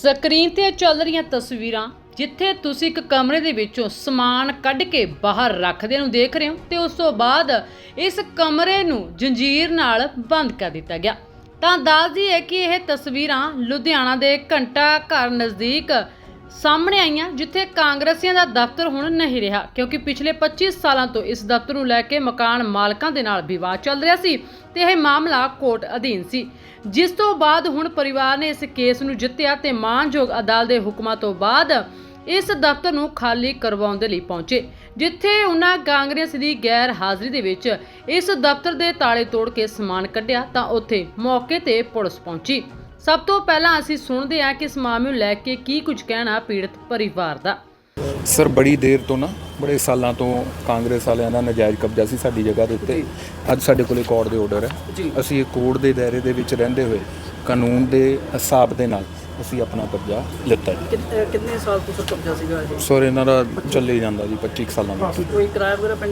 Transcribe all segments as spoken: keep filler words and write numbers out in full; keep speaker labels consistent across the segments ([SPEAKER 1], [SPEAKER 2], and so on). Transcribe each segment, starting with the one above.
[SPEAKER 1] Screen ਤੇ ਚੱਲ ਰਹੀਆਂ ਤਸਵੀਰਾਂ ਜਿੱਥੇ ਤੁਸੀਂ ਇੱਕ ਕਮਰੇ ਦੇ ਵਿੱਚੋਂ ਸਮਾਨ ਕੱਢ ਕੇ ਬਾਹਰ ਰੱਖਦੇ ਨੂੰ ਦੇਖ ਰਹੇ ਹੋ ਤੇ ਉਸ ਤੋਂ ਬਾਅਦ ਇਸ ਕਮਰੇ ਨੂੰ ਜੰਜੀਰ ਨਾਲ ਬੰਦ ਕਰ ਦਿੱਤਾ ਗਿਆ। ਤਾਂ ਦੱਸਦੀ ਹੈ ਕਿ ਇਹ ਤਸਵੀਰਾਂ ਲੁਧਿਆਣਾ ਦੇ ਘੰਟਾ ਘਰ ਨਜ਼ਦੀਕ ਸਾਹਮਣੇ ਆਈਆਂ, ਜਿੱਥੇ ਕਾਂਗਰਸੀਆਂ ਦਾ ਦਫ਼ਤਰ ਹੁਣ ਨਹੀਂ ਰਿਹਾ ਕਿਉਂਕਿ ਪਿਛਲੇ ਪੱਚੀ ਸਾਲਾਂ ਤੋਂ ਇਸ ਦਫ਼ਤਰ ਨੂੰ ਲੈ ਕੇ ਮਕਾਨ ਮਾਲਕਾਂ ਦੇ ਨਾਲ ਵਿਵਾਦ ਚੱਲ ਰਿਹਾ ਸੀ ਤੇ ਇਹ ਮਾਮਲਾ ਕੋਰਟ ਅਧੀਨ ਸੀ, ਜਿਸ ਤੋਂ ਬਾਅਦ ਹੁਣ ਪਰਿਵਾਰ ਨੇ ਇਸ ਕੇਸ ਨੂੰ ਜਿੱਤਿਆ ਤੇ ਮਾਨਯੋਗ ਅਦਾਲਤ ਦੇ ਹੁਕਮਾਂ ਤੋਂ ਬਾਅਦ ਇਸ ਦਫ਼ਤਰ ਨੂੰ ਖਾਲੀ ਕਰਵਾਉਣ ਦੇ ਲਈ ਪਹੁੰਚੇ, ਜਿੱਥੇ ਉਹਨਾਂ ਕਾਂਗਰਸ ਦੀ ਗੈਰ ਹਾਜ਼ਰੀ ਦੇ ਵਿੱਚ ਇਸ ਦਫ਼ਤਰ ਦੇ ਤਾਲੇ ਤੋੜ ਕੇ ਸਮਾਨ ਕੱਢਿਆ ਤਾਂ ਉੱਥੇ ਮੌਕੇ ਤੇ ਪੁਲਿਸ ਪਹੁੰਚੀ। ਸਭ ਤੋਂ ਪਹਿਲਾਂ ਅਸੀਂ ਸੁਣਦੇ ਹਾਂ ਕਿ ਇਸ ਮਾਮਲੇ ਨੂੰ ਲੈ ਕੇ ਕੀ ਕੁਝ ਕਹਿਣਾ ਪੀੜਤ ਪਰਿਵਾਰ ਦਾ।
[SPEAKER 2] ਸਰ ਬੜੀ ਦੇਰ ਤੋਂ ਨਾ ਬੜੇ ਸਾਲਾਂ ਤੋਂ ਕਾਂਗਰਸ ਵਾਲਿਆਂ ਦਾ ਨਜਾਇਜ਼ ਕਬਜ਼ਾ ਸੀ ਸਾਡੀ ਜਗ੍ਹਾ ਦੇ ਉੱਤੇ। ਅੱਜ ਸਾਡੇ ਕੋਲੇ ਕੋਰਟ ਦੇ ਆਰਡਰ ਹੈ, ਅਸੀਂ ਇਹ ਕੋਰਟ ਦੇ ਦਾਇਰੇ ਦੇ ਵਿੱਚ ਰਹਿੰਦੇ ਹੋਏ ਕਾਨੂੰਨ ਦੇ ਹਿਸਾਬ ਦੇ ਨਾਲ ਅਸੀਂ ਆਪਣਾ ਕਬਜ਼ਾ ਲਿੱਤਾ ਜੀ।
[SPEAKER 3] ਕਿੰਨੇ ਸਾਲ ਤੋਂ ਸਰ ਕਬਜ਼ਾ ਸੀਗਾ ਇਹ?
[SPEAKER 2] ਸਰ ਇਹਨਾਂ ਦਾ ਚੱਲੇ ਜਾਂਦਾ ਜੀ ਪੱਚੀ ਸਾਲਾਂ ਦਾ।
[SPEAKER 3] ਕੋਈ ਕਿਰਾਇਆ ਵਗੈਰਾ ਪਿੰਡ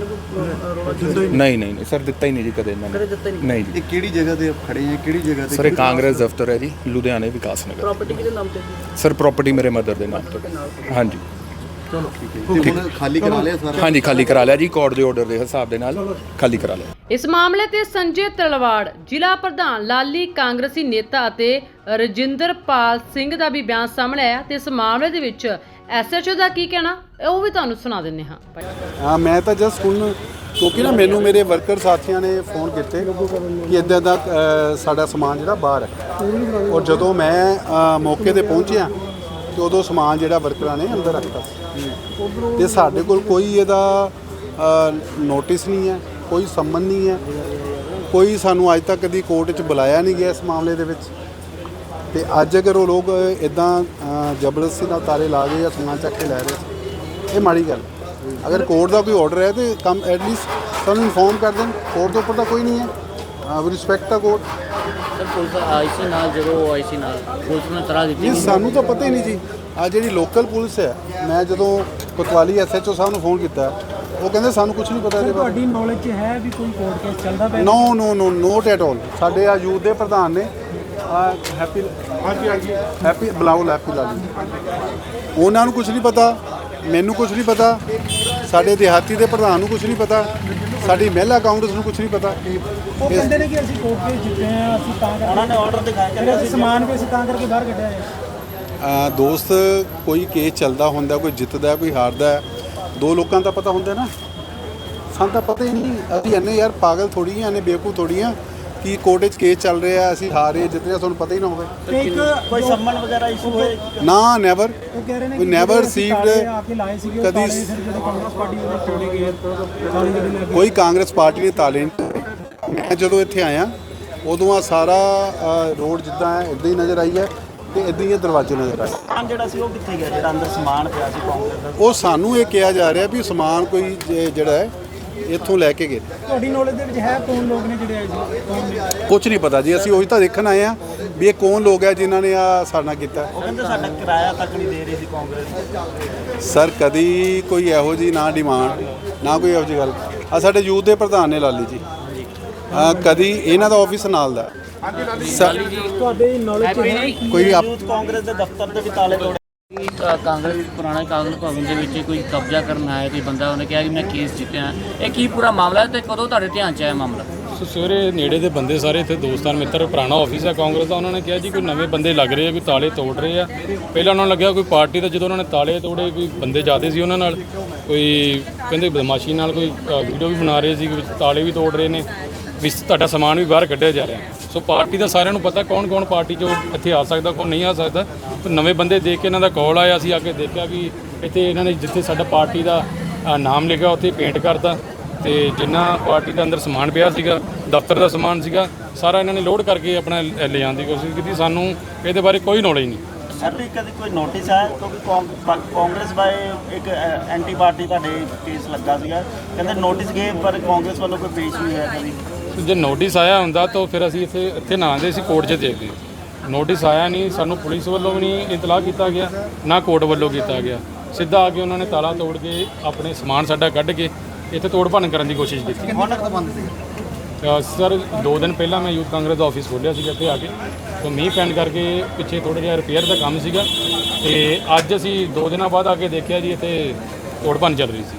[SPEAKER 3] ਨੂੰ
[SPEAKER 2] ਨਹੀਂ ਨਹੀਂ ਸਰ ਦਿੱਤਾ ਹੀ ਨਹੀਂ ਜੀ ਕਦੇ ਇਹਨਾਂ ਨੇ। ਨਹੀਂ ਜੀ।
[SPEAKER 4] ਇਹ ਕਿਹੜੀ ਜਗ੍ਹਾ ਤੇ ਖੜੇ ਹੈ? ਕਿਹੜੀ ਜਗ੍ਹਾ ਤੇ?
[SPEAKER 2] ਸਰ ਇਹ ਕਾਂਗਰਸ ਦਫ਼ਤਰ ਹੈ ਜੀ, ਲੁਧਿਆਣੇ ਵਿਕਾਸ ਨਗਰ।
[SPEAKER 3] ਪ੍ਰਾਪਰਟੀ ਕਿਹਦੇ ਨਾਮ ਤੇ ਸੀ?
[SPEAKER 2] ਸਰ ਪ੍ਰਾਪਰਟੀ ਮੇਰੇ ਮਦਰ ਦੇ ਨਾਮ ਤੇ। ਹਾਂਜੀ
[SPEAKER 4] ਚਲੋ ਠੀਕ ਹੈ। ਹੁਣ ਖਾਲੀ ਕਰਾ ਲਿਆ ਸਾਰਾ? ਹਾਂਜੀ
[SPEAKER 2] ਖਾਲੀ ਕਰਾ ਲਿਆ ਜੀ, ਕੋਰਟ ਦੇ ਆਰਡਰ ਦੇ ਹਿਸਾਬ ਦੇ ਨਾਲ ਖਾਲੀ ਕਰਾ ਲਿਆ।
[SPEAKER 1] ਇਸ ਮਾਮਲੇ ਤੇ ਸੰਜੇ ਤਲਵਾੜ, ਜ਼ਿਲ੍ਹਾ ਪ੍ਰਧਾਨ ਲਾਲੀ, ਕਾਂਗਰਸੀ ਨੇਤਾ ਅਤੇ ਰਜਿੰਦਰਪਾਲ ਸਿੰਘ ਦਾ ਵੀ ਬਿਆਨ ਸਾਹਮਣੇ ਆਇਆ ਤੇ ਇਸ ਮਾਮਲੇ ਦੇ ਵਿੱਚ ਐਸਐਚਓ ਦਾ ਕੀ ਕਹਿਣਾ ਉਹ ਵੀ ਤੁਹਾਨੂੰ ਸੁਣਾ ਦਿੰਦੇ ਹਾਂ।
[SPEAKER 5] ਹਾਂ ਮੈਂ ਤਾਂ ਜਸਟ ਹੁਣ ਕਿਉਂਕਿ ਨਾ ਮੈਨੂੰ ਮੇਰੇ ਵਰਕਰ ਸਾਥੀਆਂ ਨੇ ਫੋਨ ਕੀਤੇ ਕਿ ਇੱਦਾਂ ਦਾ ਸਾਡਾ ਸਮਾਨ ਜਿਹੜਾ ਬਾਹਰ ਹੈ, ਔਰ ਜਦੋਂ ਮੈਂ ਮੌਕੇ ਤੇ ਪਹੁੰਚਿਆ ਤੇ ਉਦੋਂ ਸਮਾਨ ਜਿਹੜਾ ਵਰਕਰਾਂ ਨੇ ਅੰਦਰ ਰੱਖਤਾ ਤੇ ਸਾਡੇ ਕੋਲ ਕੋਈ ਇਹਦਾ ਨੋਟਿਸ ਨਹੀਂ ਹੈ, ਕੋਈ ਸੰਮਨ ਨਹੀਂ ਹੈ, ਕੋਈ ਸਾਨੂੰ ਅੱਜ ਤੱਕ ਕਦੀ ਕੋਰਟ 'ਚ ਬੁਲਾਇਆ ਨਹੀਂ ਗਿਆ ਇਸ ਮਾਮਲੇ ਦੇ ਵਿੱਚ। ਤੇ ਅੱਜ ਅਗਰ ਉਹ ਲੋਕ ਇੱਦਾਂ ਜ਼ਬਰਦਸਤੀ ਨਾਲ ਤਾਲੇ ਲਾ ਕੇ ਜਾਂ ਸਮਾਨ ਚੱਕ ਕੇ ਲੈ ਰਹੇ, ਇਹ ਮਾੜੀ ਗੱਲ। ਅਗਰ ਕੋਰਟ ਦਾ ਕੋਈ ਆਰਡਰ ਹੈ ਤੇ ਕਮ ਐਟਲੀਸਟ ਸਾਨੂੰ ਇਨਫੋਰਮ ਕਰ ਦੇਣ। ਕੋਰਟ ਦੇ ਉੱਪਰ ਤਾਂ ਕੋਈ ਨਹੀਂ ਹੈ, ਵੀ ਰਿਸਪੈਕਟ ਦਾ ਕੋਰਟ।
[SPEAKER 3] ਸਰ ਪੁਲਿਸ ਆਈ ਸੀ ਨਾਲ, ਜਦੋਂ ਆਈ ਸੀ ਨਾਲ ਪੁਲਿਸ ਨੂੰ ਤਰਾ ਦਿੱਤੀ?
[SPEAKER 5] ਨਹੀਂ ਸਾਨੂੰ ਤਾਂ ਪਤਾ ਹੀ ਨਹੀਂ ਜੀ। ਆ ਜਿਹੜੀ ਲੋਕਲ ਪੁਲਿਸ ਹੈ, ਮੈਂ ਜਦੋਂ ਕੋਤਵਾਲੀ ਐਸਐਚਓ ਸਾਹਿਬ ਨੂੰ ਫੋਨ ਕੀਤਾ ਉਹ ਕਹਿੰਦੇ ਸਾਨੂੰ ਕੁਝ ਨਹੀਂ ਪਤਾ ਇਹਦੇ ਬਾਰੇ।
[SPEAKER 6] ਤੁਹਾਡੀ ਨੌਲੇਜ 'ਚ ਹੈ ਵੀ ਕੋਈ ਕੋਰਟ ਕੇਸ ਚੱਲਦਾ ਪਿਆ?
[SPEAKER 5] No no no not at all. ਸਾਡੇ ਆ ਯੂਥ ਦੇ ਪ੍ਰਧਾਨ ਨੇ ਹੈਪੀ ਹਾਂਜੀ ਹਾਂਜੀ ਹੈਪੀ ਬਲਾਉਲ ਹੈਪੀ ਲਾਲੀ, ਉਹਨਾਂ ਨੂੰ ਕੁਝ ਨਹੀਂ ਪਤਾ, ਮੈਨੂੰ ਕੁਝ ਨਹੀਂ ਪਤਾ, ਸਾਡੇ ਦਿਹਾਤੀ ਦੇ ਪ੍ਰਧਾਨ ਨੂੰ ਕੁਝ ਨਹੀਂ ਪਤਾ, ਸਾਡੀ ਮਹਿਲਾ ਕਾਂਗਰਸ ਨੂੰ ਕੁਝ ਨਹੀਂ ਪਤਾ।
[SPEAKER 6] ਉਹ ਕਹਿੰਦੇ ਨੇ ਕਿ ਅਸੀਂ ਕੋਰਟ ਕੇਸ ਜਿੱਤੇ ਹਾਂ, ਅਸੀਂ ਤਾਂ ਕਰਕੇ
[SPEAKER 3] ਉਹਨਾਂ ਨੇ ਆਰਡਰ ਦਿਖਾਇਆ ਕਿ
[SPEAKER 6] ਅਸੀਂ ਸਮਾਨ ਵੀ ਅਸੀਂ ਤਾਂ ਕਰਕੇ ਬਾਹਰ ਕੱਢਿਆ ਹੈ।
[SPEAKER 5] ਦੋਸਤ ਕੋਈ ਕੇਸ ਚੱਲਦਾ ਹੁੰਦਾ, ਕੋਈ ਜਿੱਤਦਾ ਕੋਈ ਹਾਰਦਾ, ਦੋ ਲੋਕਾਂ ਦਾ ਪਤਾ ਹੁੰਦਾ ਨਾ, ਸਾਨੂੰ ਤਾਂ ਪਤਾ ਹੀ ਨਹੀਂ। ਅਸੀਂ ਇੰਨੇ ਯਾਰ ਪਾਗਲ ਥੋੜ੍ਹੀ ਹਾਂ, ਇੰਨੇ ਬੇਵਕੂਫ ਥੋੜ੍ਹੀ ਹਾਂ ਕਿ ਕੋਰਟ 'ਚ ਕੇਸ ਚੱਲ ਰਿਹਾ, ਅਸੀਂ ਹਾਰੇ ਜਿੱਤ ਰਹੇ, ਤੁਹਾਨੂੰ ਪਤਾ ਹੀ ਨਾ ਹੋਵੇ।
[SPEAKER 6] ਤੇ ਇੱਕ
[SPEAKER 3] ਕੋਈ ਸੰਮਨ ਵਗੈਰਾ ਇਸ਼ੂ ਹੋਏ?
[SPEAKER 5] ਨਾ ਨੈਵਰ,
[SPEAKER 6] ਉਹ ਕਹਿ ਰਹੇ ਨੇ
[SPEAKER 5] ਵੀ ਨੈਵਰ ਰਿਸੀਵਡ ਕਦੀ
[SPEAKER 6] ਕਾਂਗਰਸ ਪਾਰਟੀ ਵੱਲੋਂ ਤੋੜੇ ਗਏ ਤਾਲੇ ਜਿਹੜੇ ਲੱਗੇ।
[SPEAKER 5] ਕੋਈ ਕਾਂਗਰਸ ਪਾਰਟੀ ਨੇ ਤਾਲੇ ਨਹੀਂ। ਮੈਂ ਜਦੋਂ ਇੱਥੇ ਆਇਆ ਉਦੋਂ ਆ ਸਾਰਾ ਰੋਡ ਜਿੱਦਾਂ ਹੈ ਇੱਦਾਂ ਹੀ ਨਜ਼ਰ ਆਈ ਹੈ ਤੇ ਇੱਦਾਂ ਹੀ ਦਰਵਾਜ਼ੇ ਨਜ਼ਰ ਆਏ।
[SPEAKER 3] ਸਮਾਨ ਜਿਹੜਾ ਸੀ ਉਹ ਕਿੱਥੇ ਗਿਆ, ਜਿਹੜਾ ਅੰਦਰ ਸਮਾਨ ਪਿਆ ਸੀ ਕਾਂਗਰਸ ਦਾ?
[SPEAKER 5] ਉਹ ਸਾਨੂੰ ਇਹ ਕਿਹਾ ਜਾ ਰਿਹਾ ਵੀ ਸਮਾਨ ਕੋਈ ਜਿਹੜਾ ਹੈ ਇੱਥੋਂ ਲੈ ਕੇ ਗਏ।
[SPEAKER 6] ਤੁਹਾਡੀ ਨੌਲੇਜ ਦੇ ਵਿੱਚ ਹੈ ਕੌਣ ਲੋਕ ਨੇ ਜਿਹੜੇ ਆਏ ਸੀ? ਕੌਣ ਨੇ?
[SPEAKER 5] ਕੁਝ ਨਹੀਂ ਪਤਾ ਜੀ, ਅਸੀਂ ਉਹੀ ਤਾਂ ਦੇਖਣ ਆਏ ਆ ਵੀ ਇਹ ਕੌਣ ਲੋਕ ਹੈ ਜਿਨ੍ਹਾਂ ਨੇ ਆ ਸਾਡਾ ਕੀਤਾ।
[SPEAKER 3] ਉਹ ਕਹਿੰਦੇ ਸਾਡਾ ਕਿਰਾਇਆ ਤੱਕ ਨਹੀਂ ਦੇ ਰਹੀ ਸੀ ਕਾਂਗਰਸ।
[SPEAKER 5] ਸਰ ਕਦੀ ਕੋਈ ਇਹੋ ਜੀ ਨਾ ਡਿਮਾਂਡ ਨਾ ਕੋਈ ਇਹੋ ਜਿਹੀ ਗੱਲ। ਆ ਸਾਡੇ ਯੂਥ ਦੇ ਪ੍ਰਧਾਨ ਨੇ ਲਾਲੀ ਜੀ, ਆ ਕਦੀ ਇਹਨਾਂ ਦਾ ਆਫਿਸ ਨਾਲ ਦਾ।
[SPEAKER 6] ਤੁਹਾਡੇ ਨੌਲੇਜ 'ਚ ਹੈ
[SPEAKER 5] ਕੋਈ
[SPEAKER 3] ਯੂਥ ਕਾਂਗਰਸ ਦੇ ਦਫ਼ਤਰ ਦੇ ਵੀ ਤਾਲੇ ਤੋੜੇ? ਕਾਂਗਰਸ ਪੁਰਾਣਾ ਕਾਂਗਰਸ ਭਵਨ ਦੇ ਵਿੱਚ ਕੋਈ ਕਬਜ਼ਾ ਕਰਨ ਆਇਆ ਕੋਈ ਬੰਦਾ, ਉਹਨੇ ਕਿਹਾ ਕਿ ਮੈਂ ਕੇਸ ਜਿੱਤਿਆ। ਇਹ ਕੀ ਪੂਰਾ ਮਾਮਲਾ ਤੇ ਕਦੋਂ ਤੁਹਾਡੇ ਧਿਆਨ 'ਚ ਆਇਆ ਮਾਮਲਾ?
[SPEAKER 7] ਸੋ ਸਵੇਰੇ ਨੇੜੇ ਦੇ ਬੰਦੇ ਸਾਰੇ ਇੱਥੇ ਦੋਸਤਾਨ ਮਿੱਤਰ, ਪੁਰਾਣਾ ਆਫਿਸ ਹੈ ਕਾਂਗਰਸ ਦਾ, ਉਹਨਾਂ ਨੇ ਕਿਹਾ ਜੀ ਕੋਈ ਨਵੇਂ ਬੰਦੇ ਲੱਗ ਰਹੇ ਆ, ਕੋਈ ਤਾਲੇ ਤੋੜ ਰਹੇ ਆ। ਪਹਿਲਾਂ ਉਹਨਾਂ ਨੂੰ ਲੱਗਿਆ ਕੋਈ ਪਾਰਟੀ ਦਾ, ਜਦੋਂ ਉਹਨਾਂ ਨੇ ਤਾਲੇ ਤੋੜੇ ਕੋਈ ਬੰਦੇ ਜਾਂਦੇ ਸੀ ਉਹਨਾਂ ਨਾਲ, ਕੋਈ ਕਹਿੰਦੇ ਬਦਮਾਸ਼ੀ ਨਾਲ ਕੋਈ ਵੀਡੀਓ ਵੀ ਬਣਾ ਰਹੇ ਸੀ, ਵਿੱਚ ਤਾਲੇ ਵੀ ਤੋੜ ਰਹੇ ਨੇ, ਵੀ ਤੁਹਾਡਾ ਸਮਾਨ ਵੀ ਬਾਹਰ ਕੱਢਿਆ ਜਾ ਰਿਹਾ। ਸੋ ਪਾਰਟੀ ਦਾ ਸਾਰਿਆਂ ਨੂੰ ਪਤਾ ਕੌਣ ਕੌਣ ਪਾਰਟੀ 'ਚੋਂ ਇੱਥੇ ਆ ਸਕਦਾ, ਕੌਣ ਨਹੀਂ ਆ ਸਕਦਾ। ਪਰ ਨਵੇਂ ਬੰਦੇ ਦੇਖ ਕੇ ਇਹਨਾਂ ਦਾ ਕਾਲ ਆਇਆ, ਅਸੀਂ ਆ ਕੇ ਦੇਖਿਆ ਵੀ ਇੱਥੇ ਇਹਨਾਂ ਨੇ ਜਿੱਥੇ ਸਾਡਾ ਪਾਰਟੀ ਦਾ ਨਾਮ ਲਿਖਿਆ ਉੱਥੇ ਪੇਂਟ ਕਰਤਾ, ਤੇ ਜਿੰਨਾ ਪਾਰਟੀ ਦਾ ਅੰਦਰ ਸਮਾਨ ਪਿਆ ਸੀਗਾ, ਦਫ਼ਤਰ ਦਾ ਸਮਾਨ ਸੀਗਾ, ਸਾਰਾ ਇਹਨਾਂ ਨੇ ਲੋਡ ਕਰਕੇ ਆਪਣਾ ਲੈ ਜਾਣ ਦੀ ਕੋਸ਼ਿਸ਼ ਕੀਤੀ। ਸਾਨੂੰ ਇਹਦੇ ਬਾਰੇ ਕੋਈ ਨੌਲੇਜ ਨਹੀਂ।
[SPEAKER 3] ਸਰ ਵੀ ਕਦੇ ਕੋਈ ਨੋਟਿਸ ਆਇਆ? ਕਿਉਂਕਿ ਕਾਂਗਰਸ ਬਾਰੇ ਇੱਕ ਐਂਟੀ ਪਾਰਟੀ ਤੁਹਾਡੇ ਕੇਸ ਲੱਗਾ ਸੀਗਾ, ਕਹਿੰਦੇ ਨੋਟਿਸ ਗਏ ਪਰ ਕਾਂਗਰਸ ਵੱਲੋਂ ਕੋਈ ਪੇਸ਼ ਨਹੀਂ ਹੋਇਆ ਕਦੀ।
[SPEAKER 7] ਜੇ ਨੋਟਿਸ ਆਇਆ ਹੁੰਦਾ ਤਾਂ ਫਿਰ ਅਸੀਂ ਇੱਥੇ ਇੱਥੇ ਨਾ ਆਉਂਦੇ ਸੀ, ਕੋਰਟ 'ਚ ਦੇਖਦੇ। ਨੋਟਿਸ ਆਇਆ ਨਹੀਂ, ਸਾਨੂੰ ਪੁਲਿਸ ਵੱਲੋਂ ਵੀ ਨਹੀਂ ਇਤਲਾਹ ਕੀਤਾ ਗਿਆ, ਨਾ ਕੋਰਟ ਵੱਲੋਂ ਕੀਤਾ ਗਿਆ। ਸਿੱਧਾ ਆ ਕੇ ਉਹਨਾਂ ਨੇ ਤਾਲਾ ਤੋੜ ਕੇ ਆਪਣੇ ਸਮਾਨ ਸਾਡਾ ਕੱਢ ਕੇ ਇੱਥੇ ਤੋੜ ਭੰਨ ਕਰਨ ਦੀ ਕੋਸ਼ਿਸ਼ ਕੀਤੀ।
[SPEAKER 3] ਹੁਣ ਤੱਕ ਬੰਦ ਸੀ
[SPEAKER 7] ਅ, ਸਰ ਦੋ ਦਿਨ ਪਹਿਲਾਂ ਮੈਂ ਯੂਥ ਕਾਂਗਰਸ ਦਾ ਆਫਿਸ ਖੋਲ੍ਹਿਆ ਸੀਗਾ ਇੱਥੇ ਆ ਕੇ, ਤਾਂ ਮੀਂਹ ਪੈਣ ਕਰਕੇ ਪਿੱਛੇ ਥੋੜ੍ਹਾ ਜਿਹਾ ਰਿਪੇਅਰ ਦਾ ਕੰਮ ਸੀਗਾ, ਤੇ ਅੱਜ ਅਸੀਂ ਦੋ ਦਿਨਾਂ ਬਾਅਦ ਆ ਕੇ ਦੇਖਿਆ ਜੀ ਇੱਥੇ ਤੋੜ ਭੰਨ ਚੱਲ ਰਹੀ ਸੀ।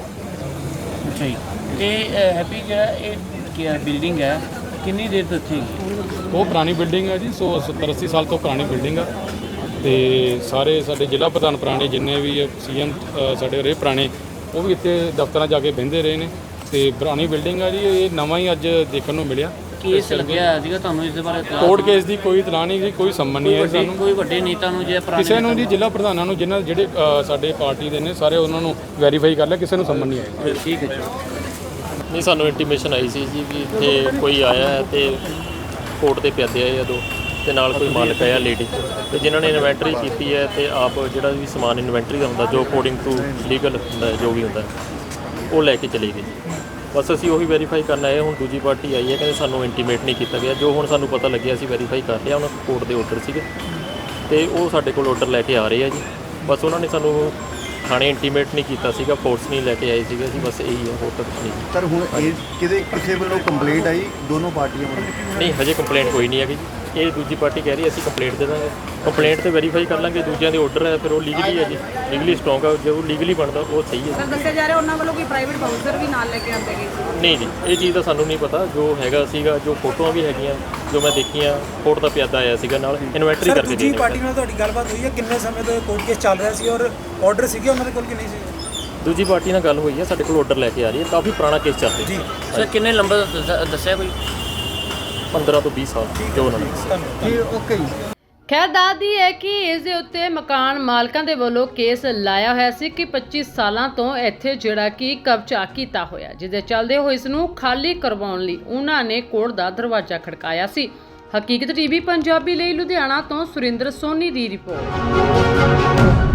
[SPEAKER 3] ਅੱਛਾ ਜੀ, ਤੇ ਹੈਪੀ ਜਿਹੜਾ ਇਹ ਕੀ ਬਿਲਡਿੰਗ ਹੈ ਕਿੰਨੀ ਦੇਰ ਤੋਂ ਇੱਥੇ ਹੈਗੀ?
[SPEAKER 7] ਉਹ ਪੁਰਾਣੀ ਬਿਲਡਿੰਗ ਹੈ ਜੀ, ਸੌ ਸੱਤਰ ਅੱਸੀ ਸਾਲ ਤੋਂ ਪੁਰਾਣੀ ਬਿਲਡਿੰਗ ਆ, ਤੇ ਸਾਰੇ ਸਾਡੇ ਜ਼ਿਲ੍ਹਾ ਪ੍ਰਧਾਨ ਪੁਰਾਣੇ ਜਿੰਨੇ ਵੀ ਸੀ ਐਮ ਸਾਡੇ ਰਹੇ ਪੁਰਾਣੇ, ਉਹ ਵੀ ਇੱਥੇ ਦਫ਼ਤਰਾਂ ਜਾ ਕੇ ਬਹਿੰਦੇ ਰਹੇ ਨੇ, ਤੇ ਪੁਰਾਣੀ ਬਿਲਡਿੰਗ ਆ ਜੀ, ਇਹ ਨਵਾਂ ਹੀ ਅੱਜ ਦੇਖਣ ਨੂੰ ਮਿਲਿਆ।
[SPEAKER 3] ਕੇਸ ਲੱਗਿਆ ਸੀਗਾ ਤੁਹਾਨੂੰ ਇਸ ਦੇ ਬਾਰੇ?
[SPEAKER 7] ਕੋਰਟ ਕੇਸ ਦੀ ਕੋਈ ਇਤਲਾਹ ਨਹੀਂ ਜੀ, ਕੋਈ ਸੰਮਨ ਨਹੀਂ ਹੈ ਸਾਨੂੰ
[SPEAKER 3] ਕੋਈ ਵੱਡੇ ਨੇਤਾ ਨੂੰ ਜੇ ਪੁਰਾਣੇ
[SPEAKER 7] ਕਿਸੇ ਨੂੰ ਜੀ, ਜ਼ਿਲ੍ਹਾ ਪ੍ਰਧਾਨਾਂ ਨੂੰ ਜਿਹਨਾਂ ਜਿਹੜੇ ਅ, ਸਾਡੇ ਪਾਰਟੀ ਦੇ ਨੇ ਸਾਰੇ ਉਹਨਾਂ ਨੂੰ ਵੈਰੀਫਾਈ ਕਰ ਲਿਆ, ਕਿਸੇ ਨੂੰ ਸੰਮਨ ਨਹੀਂ ਆਇਆ।
[SPEAKER 3] ਠੀਕ ਹੈ ਜੀ।
[SPEAKER 8] ਨਹੀਂ, ਸਾਨੂੰ ਇੰਟੀਮੇਸ਼ਨ ਆਈ ਸੀ ਜੀ ਵੀ ਇੱਥੇ ਕੋਈ ਆਇਆ ਹੈ ਤੇ ਕੋਰਟ ਦੇ ਪਿਆਦੇ ਆਏ ਆ ਦੋ, ਤੇ ਨਾਲ ਕੋਈ ਮਾਲਕ ਆਇਆ ਲੇਡੀ, ਤੇ ਜਿਨ੍ਹਾਂ ਨੇ ਇਨਵੈਂਟਰੀ ਕੀਤੀ ਹੈ, ਤੇ ਆਪ ਜਿਹੜਾ ਵੀ ਸਮਾਨ ਇਨਵੈਂਟਰੀ ਦਾ ਹੁੰਦਾ ਜੋ ਅਕੋਰਡਿੰਗ ਟੂ ਲੀਗਲ ਹੁੰਦਾ ਜੋ ਵੀ ਹੁੰਦਾ ਉਹ ਲੈ ਕੇ ਚਲੀ ਗਈ। ਬਸ ਅਸੀਂ ਉਹੀ ਵੈਰੀਫਾਈ ਕਰਨ ਆਏ। ਹੁਣ ਦੂਜੀ ਪਾਰਟੀ ਆਈ ਹੈ, ਕਹਿੰਦੇ ਸਾਨੂੰ ਇੰਟੀਮੇਟ ਨਹੀਂ ਕੀਤਾ ਗਿਆ। ਜੋ ਹੁਣ ਸਾਨੂੰ ਪਤਾ ਲੱਗਿਆ ਅਸੀਂ ਵੈਰੀਫਾਈ ਕਰ ਲਿਆ, ਉਹਨਾਂ ਕੋਰਟ ਦੇ ਆਰਡਰ ਸੀਗੇ, ਤੇ ਉਹ ਸਾਡੇ ਕੋਲ ਆਰਡਰ ਲੈ ਕੇ ਆ ਰਹੇ ਆ ਜੀ। ਬਸ ਉਹਨਾਂ ਨੇ ਸਾਨੂੰ ਥਾਣੇ ਇੰਟੀਮੇਟ ਨਹੀਂ ਕੀਤਾ ਸੀਗਾ, ਫੋਰਸ ਨਹੀਂ ਲੈ ਕੇ ਆਏ ਸੀਗੇ ਜੀ, ਬਸ ਇਹੀ ਹੈ, ਹੋਰ ਤਾਂ ਕੁਛ ਨਹੀਂ।
[SPEAKER 4] ਸਰ ਹੁਣ ਇਹ ਕਿਹਦੇ ਕਿਸੇ ਵੱਲੋਂ ਕੰਪਲੇਂਟ ਆਈ ਦੋਨੋਂ ਪਾਰਟੀਆਂ ਵੱਲੋਂ?
[SPEAKER 8] ਨਹੀਂ, ਹਜੇ ਕੰਪਲੇਂਟ ਕੋਈ ਨਹੀਂ ਹੈਗੀ ਜੀ। ਇਹ ਦੂਜੀ ਪਾਰਟੀ ਕਹਿ ਰਹੀ ਅਸੀਂ ਕੰਪਲੇਂਟ ਦੇ ਦਾਂਗੇ, ਕੰਪਲੇਂਟ ਤੇ ਵੈਰੀਫਾਈ ਕਰ ਲਾਂਗੇ, ਦੂਜਿਆਂ ਦੇ ਆਰਡਰ ਹੈ ਫਿਰ ਉਹ ਲੀਗਲੀ ਹੈ ਜੀ, ਲੀਗਲੀ ਸਟਰੋਂਗ ਹੈ, ਜੋ ਲੀਗਲੀ ਬਣਦਾ ਉਹ ਸਹੀ ਹੈ।
[SPEAKER 9] ਸਰ ਦੱਸਿਆ ਜਾ ਰਿਹਾ ਉਹਨਾਂ ਵੱਲੋਂ ਕੋਈ ਪ੍ਰਾਈਵੇਟ ਬਾਊਂਸਰ ਵੀ ਨਾਲ ਲੈ ਕੇ ਆਉਂਦੇ ਗਏ?
[SPEAKER 8] ਨਹੀਂ ਜੀ, ਇਹ ਚੀਜ਼ ਦਾ ਸਾਨੂੰ ਨਹੀਂ ਪਤਾ। ਜੋ ਹੈਗਾ ਸੀਗਾ, ਜੋ ਫੋਟੋਆਂ ਵੀ ਹੈਗੀਆਂ ਜੋ ਮੈਂ ਦੇਖੀਆਂ, ਕੋਰਟ ਦਾ ਪਿਆਦਾ ਆਇਆ ਸੀਗਾ ਨਾਲ ਇਨਵੈਂਟਰੀ ਕਰਕੇ।
[SPEAKER 6] ਦੂਜੀ ਪਾਰਟੀ ਨਾਲ ਤੁਹਾਡੀ ਗੱਲਬਾਤ ਹੋਈ ਹੈ? ਕਿੰਨੇ ਸਮੇਂ ਤੋਂ ਕੋਰਟ ਕੇਸ ਚੱਲ ਰਿਹਾ ਸੀ ਔਰ ਆਰਡਰ ਸੀਗੇ ਉਹਨਾਂ ਦੇ ਕੋਲ ਕਿ ਨਹੀਂ ਸੀ?
[SPEAKER 8] ਦੂਜੀ ਪਾਰਟੀ ਨਾਲ ਗੱਲ ਹੋਈ ਹੈ, ਸਾਡੇ ਕੋਲ ਆਰਡਰ ਲੈ ਕੇ ਆ ਰਹੀ ਹੈ, ਕਾਫੀ ਪੁਰਾਣਾ ਕੇਸ ਚੱਲ ਰਿਹਾ ਜੀ।
[SPEAKER 3] ਸਰ ਕਿੰਨੇ ਲੰਬਾ ਦੱਸ- ਦੱਸਿਆ ਕੋਈ?
[SPEAKER 8] ਪੰਦਰਾਂ ਤੋਂ ਵੀਹ ਸਾਲ ਜੋ ਉਹਨਾਂ ਨੇ ਦੱਸਿਆ।
[SPEAKER 4] ਠੀਕ, ਓਕੇ ਜੀ।
[SPEAKER 1] ਖੈਰ ਦੱਸਦੀ ਹੈ ਕਿ ਇਸ ਦੇ ਉੱਤੇ ਮਕਾਨ ਮਾਲਕਾਂ ਦੇ ਵੱਲੋਂ ਕੇਸ ਲਾਇਆ ਹੋਇਆ ਸੀ ਕਿ ਪੱਚੀ ਸਾਲਾਂ ਤੋਂ ਇੱਥੇ ਜਿਹੜਾ ਕਿ ਕਬਜ਼ਾ ਕੀਤਾ ਹੋਇਆ, ਜਿਹਦੇ ਚੱਲਦੇ ਹੋਏ ਇਸ ਨੂੰ ਖਾਲੀ ਕਰਵਾਉਣ ਲਈ ਉਹਨਾਂ ਨੇ ਕੋਰਟ ਦਾ ਦਰਵਾਜ਼ਾ ਖੜਕਾਇਆ ਸੀ। ਹਕੀਕਤ ਟੀਵੀ ਪੰਜਾਬੀ ਲਈ ਲੁਧਿਆਣਾ ਤੋਂ ਸੁਰਿੰਦਰ ਸੋਨੀ ਦੀ ਰਿਪੋਰਟ।